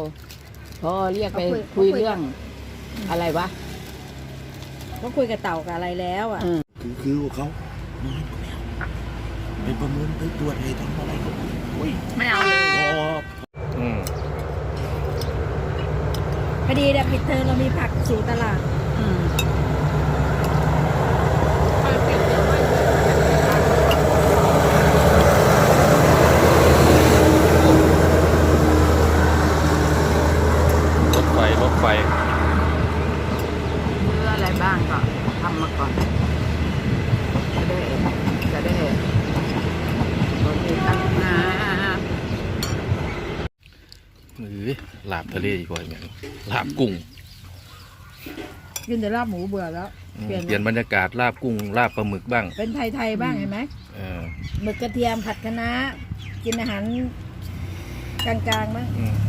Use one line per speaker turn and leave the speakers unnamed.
พอเรียกไปคุยเรื่องอะไรวะ
ก็คุยกับเต่ากับอะไรแล้วอ่ะ
คือเขาน้อยกว่าแล้วไปประเมินไปตรวจให้ทำอะไรก็อุ้ย
ไม่เอาเลย
พอ
พอดีเนี่ยปิดเทอมเรามีผักสู่ตลาด
รถไฟ
เพื่ออะไรบ้างก็ทำมาก่อนจะได้รถมีตั้งนา
ลาบทะเลอีกว่าอย่างลาบกุ้ง
กินแต่ลาบหมูเบื่อแล้ว
เปลี่ยนบรรยากาศลาบกุ้งลาบปลาหมึกบ้าง
เป็นไทยๆบ้างเห็นไหม
เออ
หมึกกระเทียมผัดคะน้ากินอาหารกลางๆบ้าง
อืม